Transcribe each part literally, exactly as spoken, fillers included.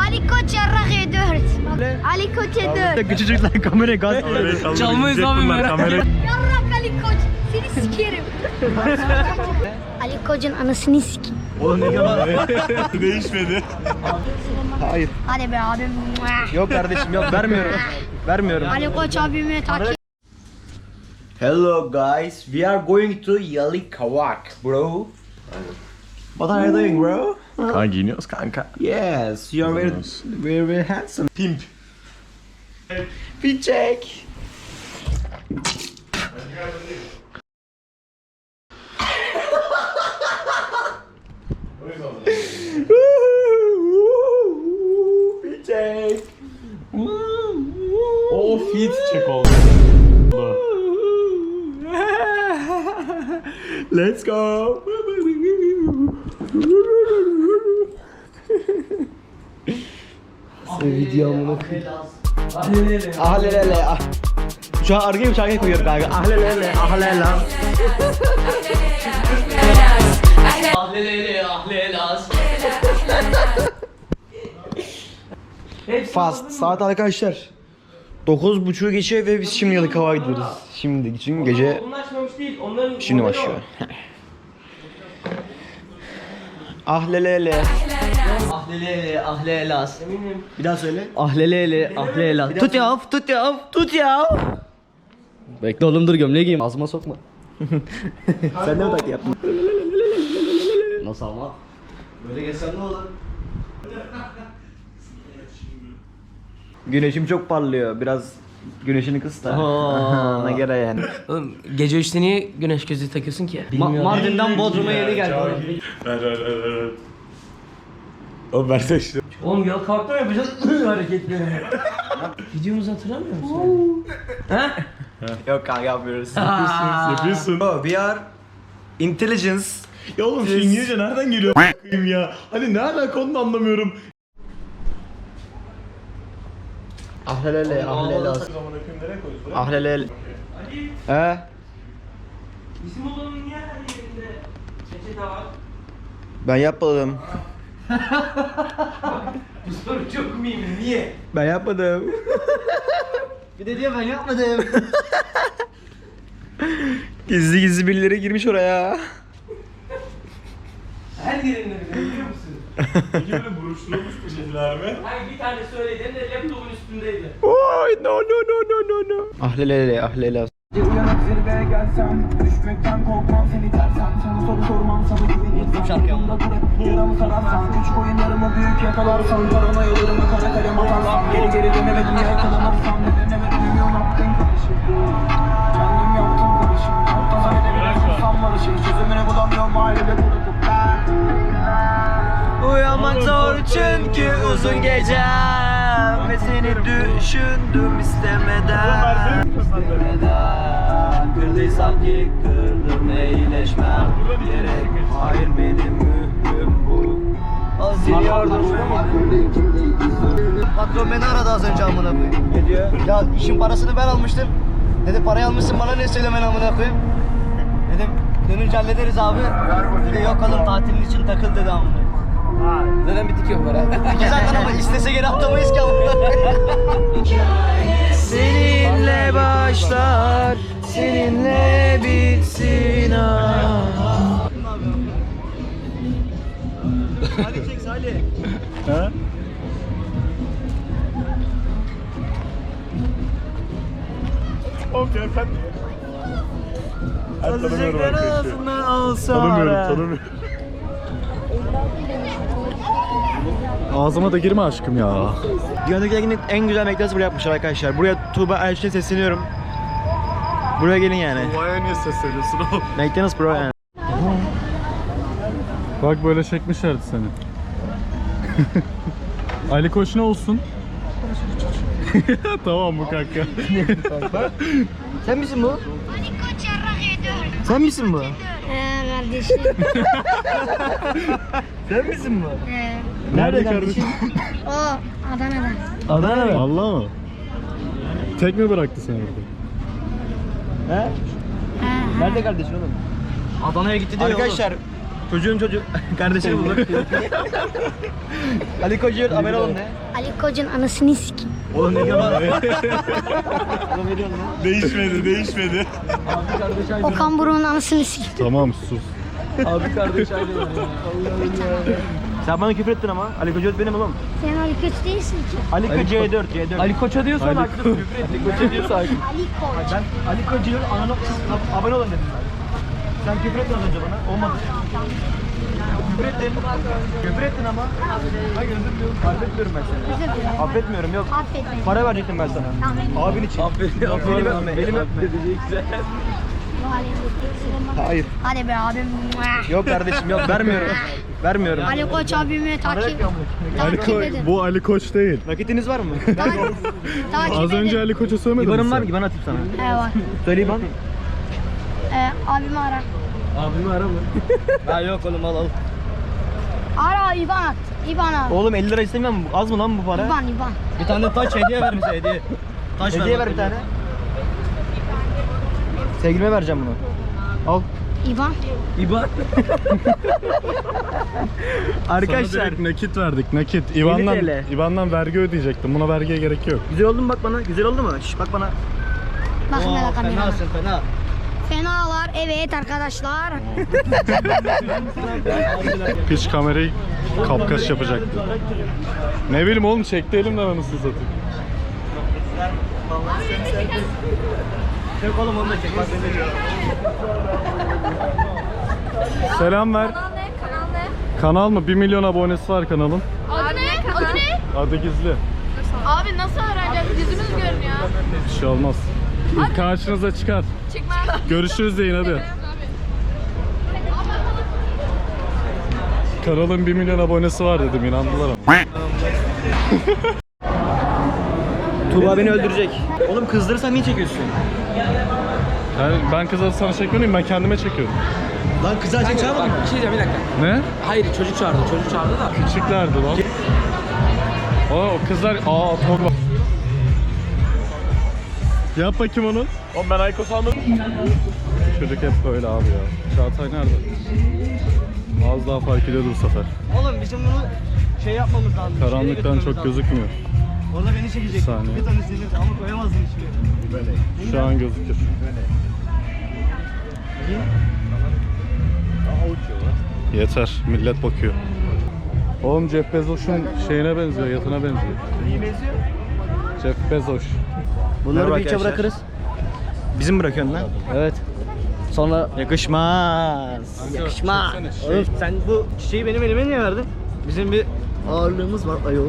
Ali Koç yarrak ediyor. Ali Koç ediyor. Küçücükler kameraya gaz veriyor. Çalmayız abi merak. Yarrak Ali Koç. Seni sikerim. Ali Koç'un anasını sikeyim. Oğlum ne kadar? Değişmedi. Hayır. Hadi be abim. Yok kardeşim yok vermiyorum. Vermiyorum. Ali Koç abimi takip. Hello guys, we are going to Yalikavak, bro. What are you doing, bro? Kanka giyiniyoruz kanka. Yes, you are very, very, very handsome. Pimp. Bir çek. Bir çek. O fit çek oldu. Let's go. Videomu ahlelele ah. Şu an arkaya bir şarkı koyuyorum kanka. Ahlelele ahlele. Ahlelele ahlelas. Fast. Saat arkadaşlar dokuz buçuğu geçiyor ve biz şimdi Yalıkavak'a gidiyoruz. Şimdi çünkü gece Bunun açmamış değil. Onların şimdi başlıyor. Ahlelele. Ahlelele ahlelas. Eminim. Bir daha söyle. Ahlelele ahlelas. Tut ya, tut ya, tut ya. Bekle oğlum dur gömleği giyeyim. Ağzıma sokma. Sen de mi taklit yaptın? Nasıl ama? Böyle geçsem ne olur? Güneşim çok parlıyor. Biraz güneşini kıs da. Aa. Ona göre yani. Oğlum gece üçte niye güneş gözlüğü takıyorsun ki? Ma- Mardin'den Bodrum'a yeni geldi. Ver ver ver ver. ver. Oğlum versene işte. Oğlum yol kalktı mı yapacağız hareketleri? Videomuzu hatırlamıyor musun? Ha? Yok kanka yapmıyoruz. Yapıyorsun. Oh, we are intelligence. Ya oğlum şu İngilizce nereden geliyor a**ayım ya? Hani ne alaka onu da anlamıyorum. Ahlelele ahlele. Zaman akım nereye koyuyorsun? Ahlelele. Ali, He? bizim odanın niye her yerinde peçete var? Ben yapmadım. Bu soru çok mühim, niye? Ben yapmadım. Bir de diyor ben yapmadım. Gizli gizli birileri girmiş oraya. Her yerinde bile biliyor musun? Peki böyle buruşturulmuş peçeteler mi? Hayır bir tane söyledim de laptopun üstündeydi. Oy no no no no no no. Ahlelele ahlele. Uyanık zirveye gelsem, düşmekten korkmam seni tersem. Sana soru sormam, sana güvenirsen. Şarkı Yanımda durup yaramı sararsan. Küçük oyunlarımı büyük yakalarsan. Korona yollarımı kara kalem atarsam. Geri geri dönemedim yakalanırsam. Dönemedim ümüyor yaptın karışım. Kendim yaptım karışım. Hatta zannedemiyorum sam barışım. Çözümünü bulamıyorum ailede kurutup ben. Uyanmak zor çünkü uzun gecem ve seni düşündüm istemeden. Neden kırdıysam ki kırdım iyileşmem gerek. Hayır benim mührüm bu. Aziliyordum. Patron beni aradı az önce amına koyayım. Ne diyor? Ya işin parasını ben almıştım. Dedi parayı almışsın bana ne söylemen amına koyayım. Dedim dönünce hallederiz abi. Dedi yok oğlum tatilin için takıl dedi amına. Neden bitik yok para? Peki zaten ama istese geri atamayız ki amına koyayım. Seninle başlar, seninle bitsin ah. Salih çek Salih. Ha? Oğlum ya sen... Ben tanımıyorum arkadaşı. Tanımıyorum tanımıyorum. Ağzıma da girme aşkım ya. Dünyadaki en güzel McDonald's buraya yapmışlar arkadaşlar. Buraya Tuğba Elçin'e sesleniyorum. Buraya gelin yani. Vay niye sesleniyorsun oğlum? McDonald's bro yani. Bak böyle çekmişlerdi seni. Ali Koç ne olsun? Tamam bu kanka. Sen misin bu? Ali Koç yarrak ediyor. Sen misin bu? He kardeşim. Sen misin bu? He. Nerede kardeşim? O Adana'dan. Adana mı? Allah mı? Tek mi bıraktı seni orada? He? He. Nerede kardeşin oğlum? Adana'ya gitti diyor Arkadaşlar Çocuğun çocuğu kardeşini bulur. Ali Koç'un abone olun de. Ali Koç'un anasını sikeyim. Oğlum ne diyorsun lan? Değişmedi, değişmedi. Okan Buruk'un anasını sikeyim. Tamam sus. Abi kardeş ayrılır ya. Sen bana küfür ettin ama. Ali Koç benim oğlum. Sen Ali Koç değilsin ki. Ali Koç C dört, C dört. Ali Koç'a diyorsan haklısın, küfür ettik. Koç'a diyorsan haklısın. Ali Koç. Ben Ali Koç'un ananı abone olun dedim ben. Sen küfür ettin az önce bana. Olmadı. Küfür ettin. Küfür ettin ama. Hayır özür diliyorum. Affetmiyorum ben seni. Özür dilerim. Affetmiyorum yok. Affet beni. Para verecektim ben sana. Tamam. Abin için. Affet. Benim öpme. Benim öpme. Bu halimde. Hayır. Hadi be abim. Yok kardeşim yok vermiyorum. Vermiyorum. Ali Koç abimi takip, Ali takip Ko- edin. bu Ali Koç değil. Nakitiniz var mı? Takip, takip Az önce edin. Ali Koç'u söylemedin mi İban'ım var sen? mı? İban atayım sana. He var. Söyle İban. Ee, abimi ara. Abimi ara mı? Ha yok oğlum al al. Ara İban at. İban ara. Oğlum elli lira istemiyorum. Az mı lan bu para? İban İban. Bir tane taş hediye ver bize hediye. Taş Hediye bak ver bir hediye. tane. Sevgilime vereceğim bunu. Al. İban. İban. Sana Arkadaşlar. direkt nakit verdik nakit. İvan'dan, yedi TL. İvan'dan vergi ödeyecektim. Buna vergiye gerek yok. Güzel oldu mu bak bana? Güzel oldu mu? Şş bak bana. Bakın Oo, hele kamerana. fenasın fena. Fenalar evet arkadaşlar. Piç kamerayı kapkaç yapacaktı. Ne bileyim oğlum çekti elimden anasını satayım. Çek oğlum onu da çek. Bak beni diyor. Selam ver. Kanal ne? Kanal ne? Kanal mı? bir milyon abonesi var kanalın. Adı ne? Adı ne? Adı gizli. Abi nasıl öğreneceğiz? Yüzümüz görünüyor. Bir şey olmaz. Karşınıza çıkar. Çıkmaz. Görüşürüz deyin hadi. Kanalın bir milyon abonesi var dedim inandılar ama. Tuğba beni öldürecek. Oğlum kızdırırsan niye çekiyorsun? Yani ben kızları sana çekmiyorum ben kendime çekiyorum. Lan kızlar seni çağırmadın mı? Bir şey diyeceğim bir dakika. Ne? Hayır çocuk çağırdı. Çocuk çağırdı da. Küçüklerdi lan. Aa, o kızlar aa atom. Yap bakayım onu. Oğlum ben Aykos almadım. Çocuk hep böyle abi ya. Çağatay nerede? Az daha fark ediyordu bu sefer. Oğlum bizim bunu şey yapmamız lazım. şeye Karanlıktan götürmemiz çok lazım. gözükmüyor. Orada beni çekecek. Saniye. Bir tane senin ama koyamazdın hiçbir. Şu an gözükür. Yeter, millet bakıyor. Oğlum Jeff Bezos'un şeyine benziyor, yatına benziyor. İyi benziyor. Jeff Bezos. Bunları Merhaba bir içe arkadaşlar. bırakırız. Bizim bırakıyorsun lan. Evet. Sonra Yakışmaz. yakışma. çeksene, şey. Oğlum sen bu çiçeği benim elime niye verdin? Bizim bir ağırlığımız var ayol.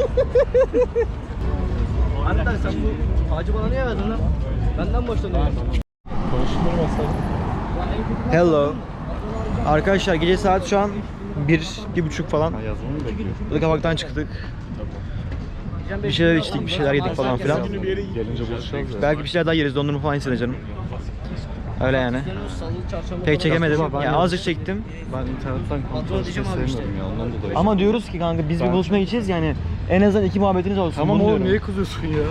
Hatta sen bu ağacı bana niye verdin lan? Benden boşlanıyorsun. Konuşturmasak. Hello. Arkadaşlar gece saat şu an bir, bir buçuk falan. Ha, yazmamı mı bekliyor? Burada kavaktan çıktık. Bir şeyler içtik, bir şeyler yedik falan filan. Gelince buluşacağız ya. Belki bir şeyler daha yeriz, dondurma falan yeriz canım. Öyle yani. Pek çekemedim. Ya azıcık çektim. Ben internetten kontrol etmeyi sevmiyorum ya ondan dolayı. Ama diyoruz ki kanka biz bir Ben- buluşmaya gideceğiz yani. En azından iki muhabbetiniz olsun. Tamam bunu oğlum diyorum. niye kızıyorsun ya?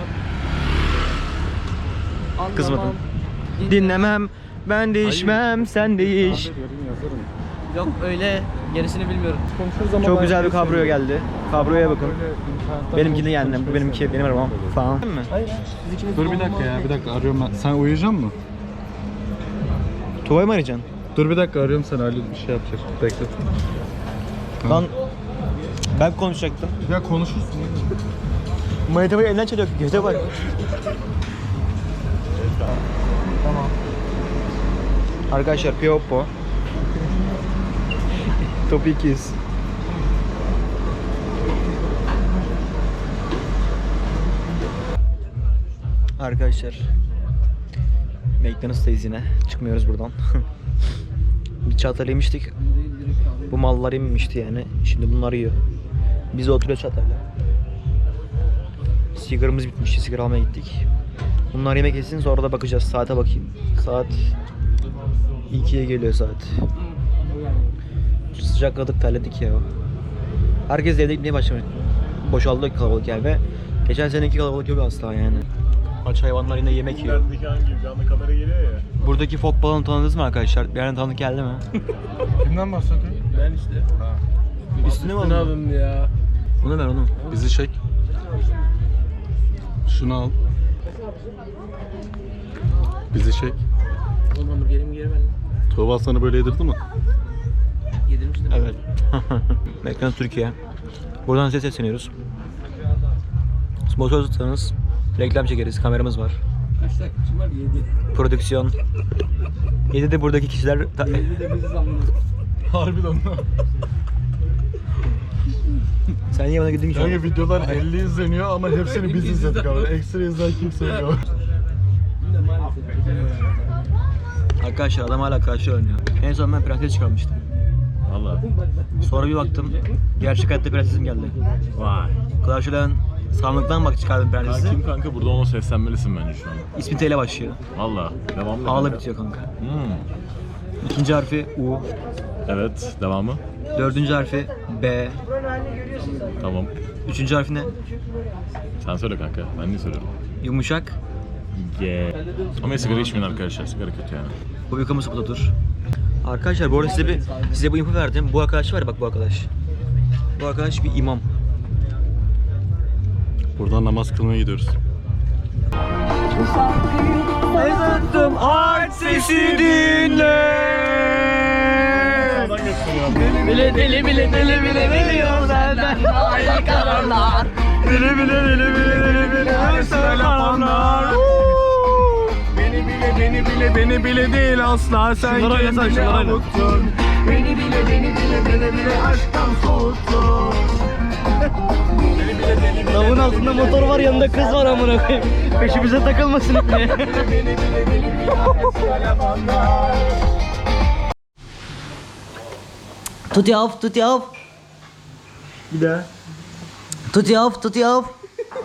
Kızmadım. Dinlemem, ben değişmem, sen değiş. Ben de yarın yazarım. Yok öyle gerisini bilmiyorum. Konuşuruz ama Çok ben güzel bir şey kabrio sevmiyorum. geldi. Kabroya bakın. Böyle internetten Benimkini konuşmayı yani, bu benimki, benim sevmiyorum. arabam falan. Mi? Dur bir dakika ya, bir dakika arıyorum ben. Sen uyuyacak mısın? Tuva'yı mı arayacaksın? Dur bir dakika arıyorum seni, Halil bir şey yapacak. Bekle. Lan ben konuşacaktım. Ya konuşursun. Manitabayı elinden çalıyor. Göze bak. Tamam. Arkadaşlar Pioppo. Top ikiz. Arkadaşlar McDonald's'tayız yine. Çıkmıyoruz buradan. Bir Çağatay'la yemiştik. Bu mallar yememişti yani. Şimdi bunlar yiyor. Biz de oturuyoruz Çağatay'la. Sigaramız bitmişti. Sigara almaya gittik. Bunlar yemek yesin sonra da bakacağız. Saate bakayım. Saat ikiye geliyor saat. Sıcakladık, terledik ya. Herkes evde gitmeye başlamış. Boşaldı kalabalık yani ve geçen seneki kalabalık yok asla yani. Aç hayvanlar yine yemek yiyor. Hangi canlı kamera geliyor ya. Buradaki fok balonu tanıdınız mı arkadaşlar? Bir yerden tanıdık geldi mi? Kimden bahsediyorsun? Ben işte. Üstüne mi Üstüne aldın? alın ya. Onu ver onu. Bizi çek. Şunu al. Bizi çek. Oğlum hamburgerimi geri ver lan. Tuğba sana böyle yedirdi mi? Yedirmiştim. Evet. Mekran Türkiye. Buradan size sesleniyoruz. Sponsor tutsanız reklam çekeriz. Kameramız var. Kaç takipçim var? Yedi. Prodüksiyon. yedi de buradaki kişiler ta- Yedi de biziz anladım. Harbiden. Sen niye bana güldün ki? şu an? Kanka videolar elli izleniyor ama hepsini biz izledik abi. Ekstra izleyen kimse yok. Arkadaşlar adam hala karşı oynuyor. En son ben prenses çıkarmıştım. Valla. Sonra bir baktım gerçek hayatta prensesim geldi. Vay. Karşılayan sandıktan bak çıkardım prensesi. Kim kanka burada ona seslenmelisin bence şu an. İsmi T ile başlıyor. Valla. Devam A'la edelim. bitiyor kanka. Hmm. İkinci harfi U. Evet. Devamı. Dördüncü harfi B. Tamam. Üçüncü harfi ne? Sen söyle kanka. Ben niye söylüyorum? Yumuşak. G. Ama sigara içmeyin arkadaşlar. Sigara kötü yani. Bu bir kamu spotudur. Arkadaşlar bu arada size, bir, size bu info verdim. Bu arkadaş var ya bak bu arkadaş. Bu arkadaş bir imam. Buradan namaz kılmaya gidiyoruz. Ezandım art sesi dinle. Bile deli bile deli bile veriyor senden ayrı kararlar. Bile bile bile bile bile bile söyle anlar. Beni bile beni bile beni bile değil asla sen kendini avuttun. Beni bile beni bile beni bile aşktan soğuttun. Beni bile beni bile Lavın altında motor var yanında kız var amına koyayım. Peşimize takılmasın diye. beni bile beni bile söyle bana. Tut yav, tut yav. Bir daha. Tut yav, tut yav.